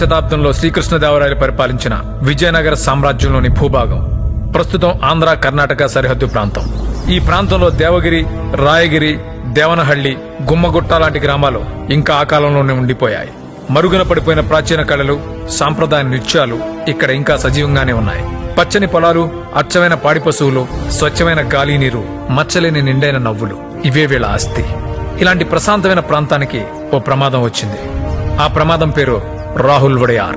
శతాబ్దంలో శ్రీకృష్ణదేవరాయలు పరిపాలించిన విజయనగర సామ్రాజ్యంలోని భూభాగం ప్రస్తుతం ఆంధ్ర కర్ణాటక సరిహద్దు ప్రాంతం. ఈ ప్రాంతంలో దేవగిరి, రాయగిరి, దేవనహళ్లి, గుమ్మగుట్ట లాంటి గ్రామాలు ఇంకా ఆ కాలంలోనే ఉండిపోయాయి. మరుగున పడిపోయిన ప్రాచీన కళలు, సాంప్రదాయ నృత్యాలు ఇక్కడ ఇంకా సజీవంగానే ఉన్నాయి. పచ్చని పొలాలు, అచ్చమైన పాడి పశువులు, స్వచ్ఛమైన గాలి నీరు, మచ్చలేని నిండైన నవ్వులు ఇవే వీళ్ళ ఆస్తి. ఇలాంటి ప్రశాంతమైన ప్రాంతానికి ఓ ప్రమాదం వచ్చింది. ఆ ప్రమాదం పేరు రాహుల్ వడయార్.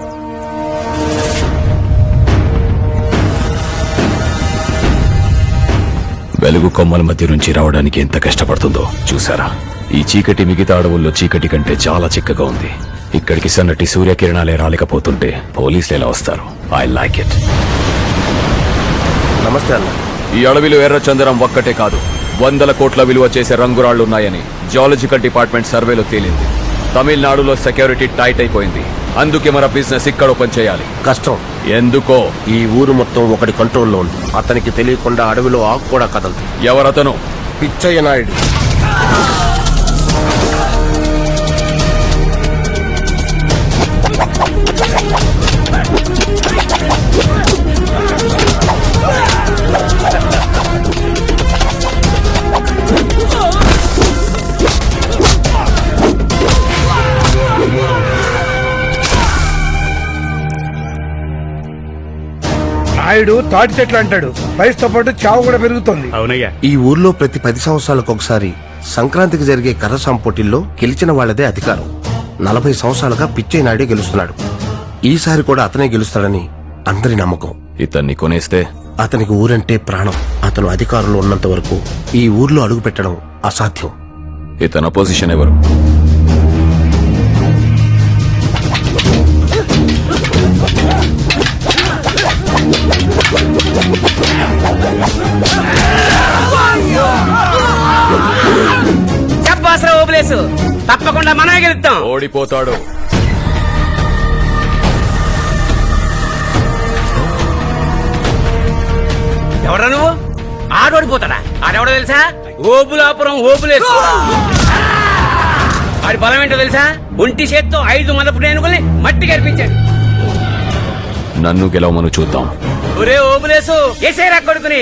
వెలుగు కొమ్మల మధ్య నుంచి రావడానికి ఎంత కష్టపడుతుందో చూసారా? ఈ చీకటి మిగతా అడవుల్లో చీకటి కంటే చాలా చిక్కగా ఉంది. ఇక్కడికి సన్నటి సూర్యకిరణాలే రాలేకపోతుంటే పోలీసులు ఎలా వస్తారు? I like it. నమస్తే అన్న. ఈ అడవిలో ఎర్రచందనం ఒక్కటే కాదు, 100 కోట్ల విలువ చేసే రంగురాళ్లున్నాయని జియాలజికల్ డిపార్ట్మెంట్ సర్వేలో తేలింది. తమిళనాడులో సెక్యూరిటీ టైట్ అయిపోయింది. అందుకే మన బిజినెస్ ఇక్కడ ఓపెన్ చేయాలి. కష్టం. ఎందుకో? ఈ ఊరు మొత్తం ఒకటి కంట్రోల్లో ఉంది. అతనికి తెలియకుండా అడవిలో ఆకు కూడా కదలదు. ఎవరతను? పిచ్చయ్య నాయుడు. నాయుడు తాటి చెట్లు అంటాడు. వయసుతో పాటు చావు కూడా పెరుగుతుంది. అవునయ్యా. ఈ ఊర్లో ప్రతి 10 సంవత్సరాలకు ఒకసారి సంక్రాంతికి జరిగే కర్రసాం పోటీల్లో గెలిచిన వాళ్లదే అధికారం. 40 సంవత్సరాలుగా పిచ్చయ్య నాయుడే గెలుస్తున్నాడు. ఈసారి కూడా అతనే గెలుస్తాడని అందరి నమ్మకం. ఇతన్ని కొనేస్తే? అతనికి ఊరంటే ప్రాణం. అతను అధికారంలో ఉన్నంత వరకు ఈ ఊర్లో అడుగు పెట్టడం అసాధ్యం. ఇతని అపోజిషన్ ఎవరు? చెప్పాసరా ఓబులేసు, తప్పకుండా మనమే గెలుస్తాం. ఓడిపోతాడు. ఎవరా నువ్వు? ఆడోడిపోతాడా? ఆడెవడో తెలుసా? ఓబులాపురం ఓబులేసు. ఆడి బలం ఏంటో తెలుసా? ఒంటి చేత్తో 5 మదపు రేణుగుల్ని మట్టి కనిపించాడు. నన్ను గెలవమను చూద్దాం. ఒరే ఓబులేసు, ఎసేరా కొడుకుని.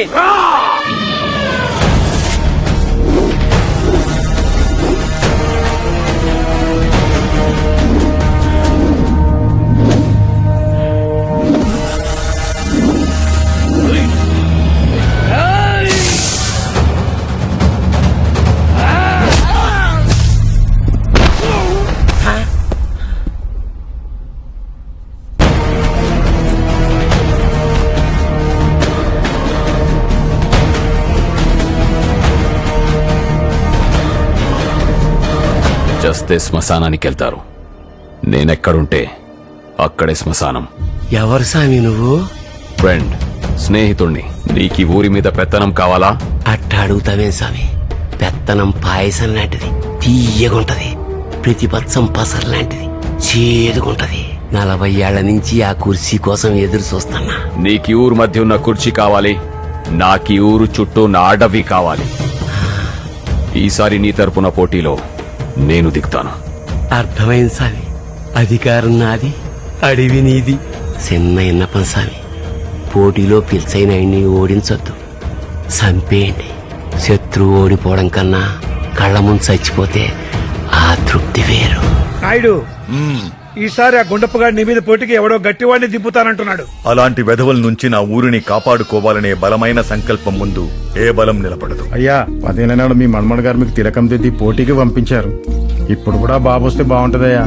చస్తే శ్మశానానికి వెళ్తారు. నేనెక్కడుంటే అక్కడే శ్మశానం. ఎవరు సామి నువ్వు? ఫ్రెండ్, స్నేహితుణ్ణి. నీకీ ఊరి మీద పెత్తనం కావాలా? అట్ట అడుగుతావే స్వామి. పెత్తనం పాయసం లాంటిది, తీయగుంటది. ప్రతిపక్షం పసర్ లాంటిది, చేదుగుంటది. 40 ఏళ్ల నుంచి ఆ కుర్చీ కోసం ఎదురు చూస్తున్నా. నీకీ ఊరు మధ్య ఉన్న కుర్చీ కావాలి, నాకీ ఊరు చుట్టూ నా అడవి కావాలి. ఈసారి నీ తరపున పోటీలో నేను దిగుతాను. అర్థమైంది స్వామి. అధికారం నాది, అడవి నీది. చిన్న ఇన్నపం స్వామి. పోటీలో పిలిచైన ఆయన్ని ఓడించొద్దు, చంపేయండి. శత్రువు ఓడిపోవడం కన్నా కళ్ళ ముందు చచ్చిపోతే ఆ తృప్తి వేరు. నాయుడు, ఈసారి ఆ గుండప్పగాడి నీ మీద పోటీకి ఎవడో గట్టివాడిని దింపుతానంటున్నాడు. అలాంటి వెధవల నుంచి నా ఊరిని కాపాడుకోవాలనే బలమైన సంకల్పం ముందు ఏ బలం నిలబడదు. అయ్యా, 15 నాడు మీ మన్మడు గారు మీకు తిలకం దిద్ది పోటీకి పంపించారు. ఇప్పుడు కూడా బాబు వస్తే బాగుంటదయ్యా.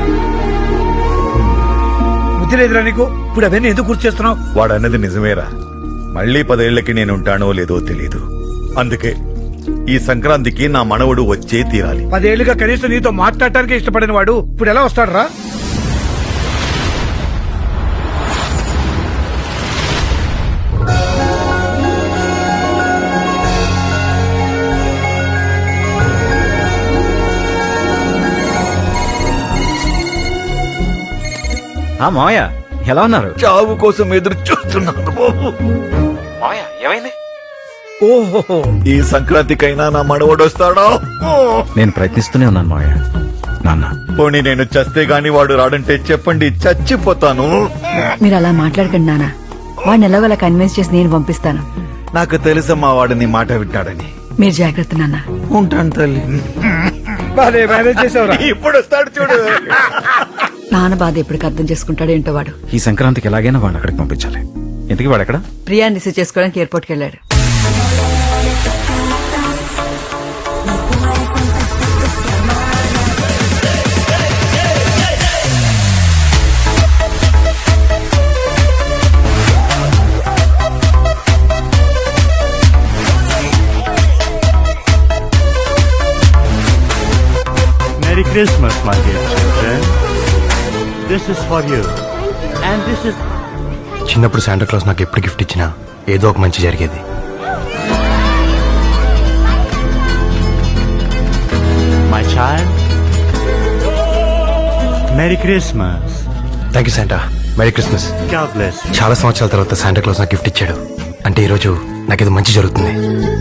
బుద్ధి లేదురా నీకు? ఇప్పుడు అవన్నీ ఎందుకు గుర్తు చేస్తున్నావు? వాడన్నది నిజమేరా. మళ్లీ 10 ఏళ్లకి నేనుంటానో లేదో తెలీదు. అందుకే ఈ సంక్రాంతికి నా మనవడు వచ్చే తీరాలి. 10 ఏళ్లుగా కనీసం నీతో మాట్లాడటానికి ఇష్టపడిన వాడు ఇప్పుడు ఎలా వస్తాడురా? మావయ్య ఎలా ఉన్నారు? చావు కోసం ఎదురు చూస్తున్నాను బాబు. మావయ్య ఏమైంది? ఓహో, ఈ సంక్రాంతికైనా నా మనవడు వస్తాడా? నేను ప్రయత్నిస్తూనే ఉన్నాను మావయ్య. నాన్న. పోనీ నేను చస్తే గాని వాడు రాడంటే చెప్పండి, చచ్చిపోతాను. మీరు అలా మాట్లాడకండి నాన్న. వాడిని ఎలాగోలా కన్విన్స్ చేసి నేను పంపిస్తాను. నాకు తెలుసమ్మా వాడు నీ మాట వింటాడని. మీరు జాగ్రత్త నాన్న. ఉంటాను తల్లి. బానే మేనేజ్ చేసావురా. ఇప్పుడు వస్తాడు చూడు. నాన్న బాధ ఎప్పటికి అర్థం చేసుకుంటాడో ఏంటో వాడు. ఈ సంక్రాంతికి ఎలాగైనా వాడిని అక్కడికి పంపించాలి. ఎందుకు వాడు ఎక్కడ? ప్రియాని రిసీవ్ చేసుకోవడానికి ఎయిర్పోర్ట్కి వెళ్ళాడు. Merry Christmas, my dear children. This is for you. And this is... చిన్నప్పుడు శాంటా క్లాస్ నాకు ఎప్పుడు గిఫ్ట్ ఇచ్చినా ఏదో ఒక మంచి జరిగేది. My child. Merry Christmas. Thank you Santa. Merry Christmas. God bless you. చాలా సంవత్సరాల తర్వాత శాంటా క్లాస్ నాకు గిఫ్ట్ ఇచ్చాడు. అంటే ఈరోజు నాకేదో మంచి జరుగుతుంది.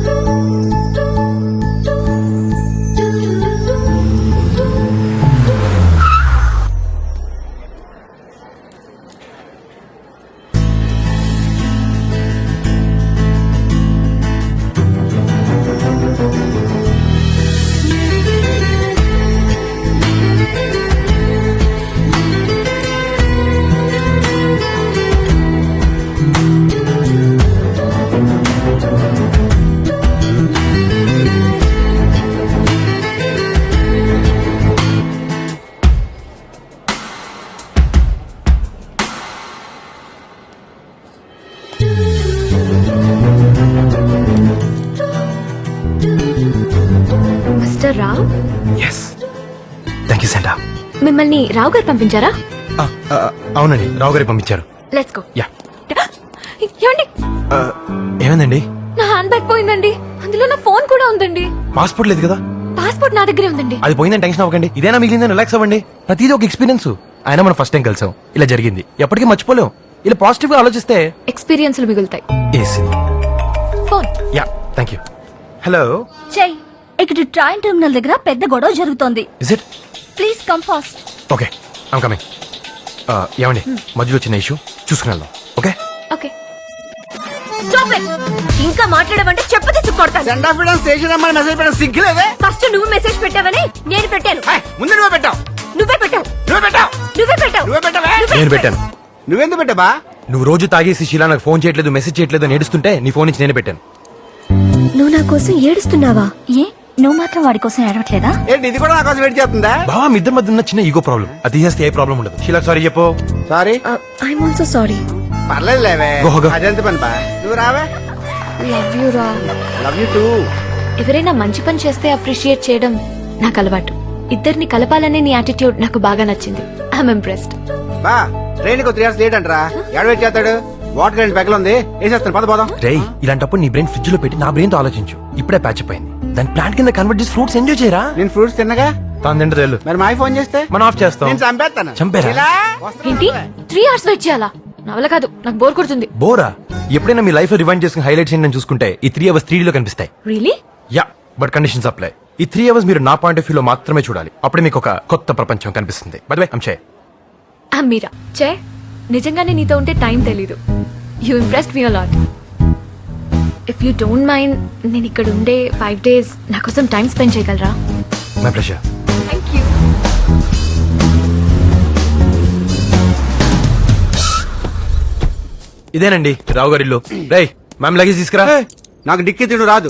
Mister Rao, yes thank you Santa. మిమ్మల్ని రావు గారు పంపించారా? అవునండి, రావు గారి పంపించారు. Let's go. యా. ఏమండి, ఏమైందండి? నా హ్యాండ్ బ్యాగ్ పోయిందండి. అందులో నా ఫోన్ కూడా ఉందండి. పాస్పోర్ట్ లేదు కదా? పాస్పోర్ట్ నా దగ్గరే ఉందండి. అది పోయిందని టెన్షన్ అవ్వకండి. ఇదేనా మిగిలిందని రిలాక్స్ అవ్వండి. ప్రతిదీ ఒక ఎక్స్పీరియన్స్. అయినా మనం ఫస్ట్ టైం కలిసాం, ఇలా జరిగింది, ఎప్పటికీ మర్చిపోలేం. ఇలా పాజిటివ్ గా ఆలోచిస్తే ఎక్స్పీరియన్స్లు మిగులుతాయి. AC. Phone yeah thank you. Hello, చెయ్. ఇక్కడ ట్రైన్ టెర్మినల్ దగ్గర పెద్ద గొడవ జరుగుతోంది. Is it? Please come fast. Okay I'm coming. ఏమండి, మధ్యలో చిన్న ఇష్యూ, చూసుకుని వెళ్దాం. Okay okay. Stop it. ఇంకా మాట్లాడమంటే చెప్పు తీసి కొడతాను. ఫస్ట్ నువ్వు మెసేజ్ పెట్టావని నేను పెట్టాను. ముందు నువ్వే పెట్టావు. నువ్వే పెట్టావు. నువ్వే పెట్టావు. నువ్వే పెట్టావు. నేను పెట్టాను. నువ్వెందుకు పెట్టావా? నువ్వు రోజు తాగేసి శీలా నాకు ఫోన్ చేయట్లేదు, మెసేజ్ చేయట్లేదు అని ఏడుస్తుంటే నీ ఫోన్ నుంచి నేనే పెట్టాను. నువ్వు నా కోసం ఏడుస్తున్నావా? ఏ నువ్వు మాత్రం వాడి కోసం ఏడవట్లేదా? ఇది కూడా నా కోసం వెయిట్ చేస్తుందా? బావా, మీ ఇద్దరి మధ్య ఉన్న చిన్న ఈగో ప్రాబ్లం, అది తీసేస్తే ఏ ప్రాబ్లం ఉండదు. శీలా సారీ చెప్పు. సారీ. I'm also sorry. పర్లేదు లేవే, అదంత పని బా. నువ్వు రావే. లవ్ యూ రా. Love you too. ఎవరైనా మంచి పని చేస్తే అప్రిషియేట్ చేయడం నాకు అలవాటు. ఇద్దరిని కలపాలనే నీ యాటిట్యూడ్ నాకు బాగా నచ్చింది. I'm impressed. బా, ట్రైన్ కు 3 hours లేట్ అంటరా. ఎడ వెయిట్ చేస్తాడు? వాటర్ గ్రైండ్ బ్యాగ్ లో ఉంది, వేసేస్తాను. పద పోదాం. రేయ్, ఇలాంటప్పుడు నీ బ్రెయిన్ ఫ్రిడ్జ్ లో పెట్టి నా బ్రెయిన్ తో ఆలోచించు. ఇప్పుడే ప్యాచ్ అయింది, దాని ప్లాంట్ కింద కన్వర్ట్ చేసి ఫ్రూట్స్ ఎంజాయ్ చేయరా. నేను ఫ్రూట్స్ తిన్నగా, తాను తింటే తెలు. మరి మా ఫోన్ చేస్తే మనం ఆఫ్ చేస్తాం. నేను చంపేస్తాను. చంపేరా? ఏంటి 3 hours వెయిట్ చేయాలా? నా వల్ల కాదు, నాకు బోర్ కొడుతుంది. బోరా? ఎప్పుడైనా మీ లైఫ్ లో రివైండ్ చేసుకుని హైలైట్స్ ఏంటని చూసుకుంటే ఈ 3 hours 3D లో కనిపిస్తాయి. Really? Yeah, but conditions apply. ఈ 3 hours మీరు నా పాయింట్ ఆఫ్ వ్యూ లో మాత్రమే చూడాలి. అప్పుడే మీకు ఒక కొత్త ప్రపంచం కనిపిస్తుంది. By the way, I'm Che. I'm Meera. Che, నిజంగానే నీతో ఉంటే టైం తెలీదు. You impressed me a lot. If you don't mind, నేను ఇక్కడ ఉండే 5 days నా కోసం టైం స్పెండ్ చేయగలరా? My pleasure. Thank you. ఇదేనండి రావు గారి ఇల్లు. రేయ్, మ్యామ్ లగేజ్ తీసుకురా. నాకు డిక్కి తిడు రాదు.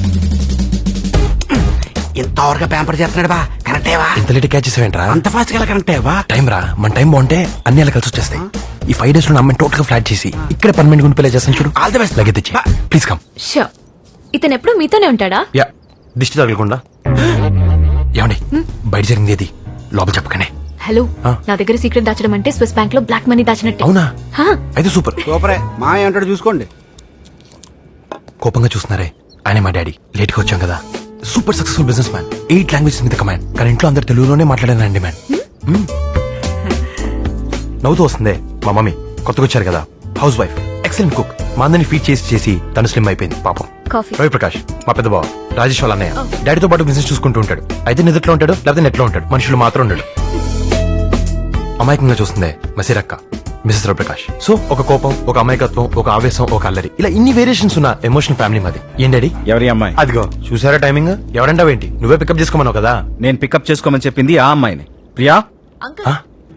ఎంత వరకు పేపర్ చేస్తున్నాడు బా. కరెక్టేవా? ఇంత లేట్ క్యాచ్ చేసావేంట్రా? అంత ఫాస్ట్ గా కరెక్టేవా? టైం రా, మన టైం బాగుంటే అన్ని అలా కలిసి వచ్చేస్తాయి. ఈ 5 days లో అమ్మాయిని టోటల్ గా ఫ్లాట్ చేసి ఇక్కడ పర్మనెంట్ గుండి పెళ్లి చేస్తాను చూడు. All the best. లగేజ్ తెచ్చి ప్లీజ్ కమ్. షూర్. ఇతను ఎప్పుడు మీతోనే ఉంటాడా? యా, దిష్టి తగలకుండా. ఏమండి, బయట జరిగింది ఏది లోపల చెప్పకనే. హలో, నా దగ్గర సీక్రెట్ దాచడం అంటే స్విస్ బ్యాంక్ లో బ్లాక్ మనీ దాచినట్టు. అవునా? అయితే సూపర్. సూపరే. మా ఏమంటాడు చూసుకోండి. కోపంగా చూస్తున్నారే, ఆయన మా డాడీ. లేట్ గా వచ్చాం కదా. Super successful businessman, 8 languages మీద కమాండ్. కానీ ఇంట్లో అందరు తెలుగులోనే మాట్లాడానండి మ్యాన్. నవ్వుతూ వస్తుందే మా మమ్మీ, కొత్తగా వచ్చారు కదా, హౌస్ వైఫ్, ఎక్సలెంట్ కుక్, మా అందరిని ఫీడ్ చేసి చేసి తను స్లిమ్ అయిపోయింది పాపం. కాఫీ. రవి ప్రకాష్ మా పెద్ద బావ రాజేష్ వాళ్ళ అన్నయ్య డాడీతో పాటు బిజినెస్ చూసుకుంటూ ఉంటాడు. అయితే నిద్రలో ఉంటాడు లేకపోతే నెట్లో ఉంటాడు, మనుషులు మాత్రం ఉండడు. అమాయకంగా చూస్తుందే మసిరక్క మిసెస్ రవిప్రకాష్. సో ఒక కోపం, ఒక అమాయకత్వం, ఒక ఆవేశం, ఒక అల్లరి, ఇలా ఇన్ని వేరియేషన్స్ ఉన్న ఎమోషనల్ ఫ్యామిలీ మాది. ఏం డాడీ? ఎవరి అమ్మాయి? అదిగో చూసారా టైమింగ్. ఎవరంటావేంటి, నువ్వే పికప్ చేసుకోమన్నావు కదా. నేను పికప్ చేసుకోమని చెప్పింది ఆ అమ్మాయిని. ప్రియా, ఆ?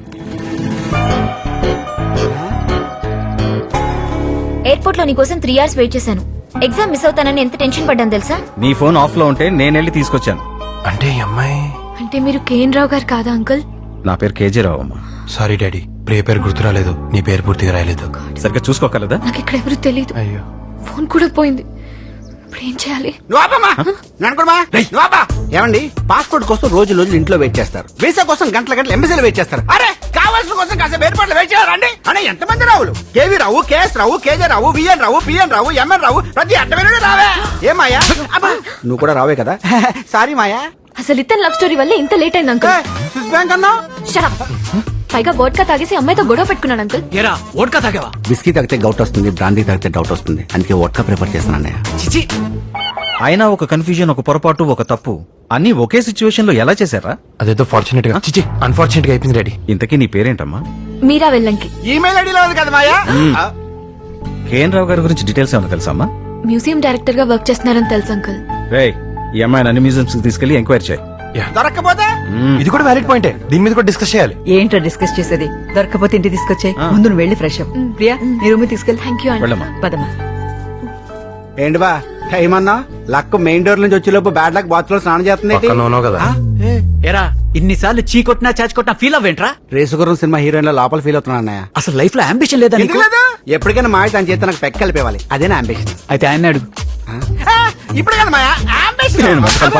ఎయిర్పోర్ట్ లో నీకోసం 3 hours వెయిట్ చేశాను. ఎగ్జామ్ మిస్ అవుతానని ఎంత టెన్షన్ పడ్డాను తెలుసా? నీ ఫోన్ ఆఫ్ లో ఉంటే నేను వెళ్ళి తీసుకొచ్చాను. అంటే ఈ అమ్మాయి. అంటే మీరు కేఎన్ రావు గారు కాదా అంకుల్? నా పేరు కేజీ రావు అమ్మా. సారీ డాడీ, ప్రియ పేరు గుర్తు రాలేదు, నీ పేరు పూర్తిగా రాయలేదు. సరిగ్గా చూసుకోగలదా? నాకు ఇక్కడ ఎవరు తెలియదు. అయ్యో. ఫోన్ కూడా పోయింది. ఇప్పుడు ఏం చేయాలి? ఏమండి, పాస్పోర్ట్ కోసం రోజులు ఇంట్లో వెయిట్ చేస్తారు, వీసా కోసం గంటల ఎంబసీలో వెయిట్ చేస్తారు. అరే కావాల్సిన కోసం కాసేపు ఎయిర్పోర్ట్ లో వెయిట్ చేయాలండి. అనే ఎంతమంది రావులు? KV Rao, KS Rao, KJ Rao, VN Rao, PN Rao, MN Rao, ప్రతి అడ్డమైన రావే. ఏ మాయా, నువ్వు కూడా రావే కదా. సారీ మాయా. అసలు ఇతను లవ్ స్టోరీ వల్ల ఇంత లేట్ అయింది అంకుల్. స్విస్ బ్యాంక్ అన్నా. Shut up. పైగా వోడ్కా తాగేసి అమ్మాయితో గొడవ పెట్టుకున్నాడు అంకుల్. ఏరా వోడ్కా తాగావా? బిస్కీ తాగితే గౌట్ వస్తుంది, బ్రాందీ తాగితే డౌట్ వస్తుంది, అందుకే వోడ్కా ప్రిఫర్ చేస్తాను అన్నయ్య. చిచి, అయినా ఒక కన్ఫ్యూజన్, ఒక పొరపాటు, ఒక తప్పు అన్ని ఒకే సిచ్యువేషన్ లో ఎలా చేశారా? అదేదో ఫార్చునేట్ గా, చిచి అన్ఫార్చునేట్ గా అయిపోయింది డాడీ. ఇంతకీ నీ పేరేంటమ్మా? మీరా వెళ్ళంకి. ఈమెయిల్ ఐడిలో ఉంది కదా మాయా. కేఎన్ రావు గారి గురించి డీటెయిల్స్ ఏమైనా తెలుసా అమ్మా? మ్యూజియం డైరెక్టర్ గా వర్క్ చేస్తున్నారని తెలుసు అంకుల్. రే, ఈ అమ్మాయిని అన్ని మ్యూజియంస్ తీసుకెళ్లి ఎంక్వైరీ చేయి. దొరక్కపోతే ఇది కూడా వ్యాలిడ్ పాయింటే, దీని మీద కూడా డిస్కస్ చేయాలి. ఏంటో డిస్కస్ చేసేది? దొరకపోతే ఇంటికి తీసుకొచ్చాయి. ముందు నువ్వు వెళ్ళి ఫ్రెష్ అప్. ప్రియా, నీ రూమ్ తీసుకెళ్ళి. థ్యాంక్ యూ అండి. వెళ్ళమ్మా. పదమ్మా. ఏంటి బా టైం అన్నా? లక్ మెయిన్ డోర్ నుంచి వచ్చేలోపు బ్యాడ్ లక్ బాత్ లో స్నానం చేస్తుంది. పక్కన ఉన్నావు కదా. ఎరా ఇన్నిసార్లు చీ కొట్టినా చాచి కొట్టినా ఫీల్ అవ్వేంట్రా? రేసుగురం సినిమా హీరోయిన్ లో లోపల ఫీల్ అవుతున్నా అన్నయ్య. అసలు లైఫ్ లో అంబిషన్ లేదా? ఎప్పటికైనా మాయ తన చేత నాకు పెక్క కలిపేవాలి, అదేనా అంబిషన్. అయితే ఆయన అడుగు. ఇప్పుడు కదా మాయా అంబిషన్.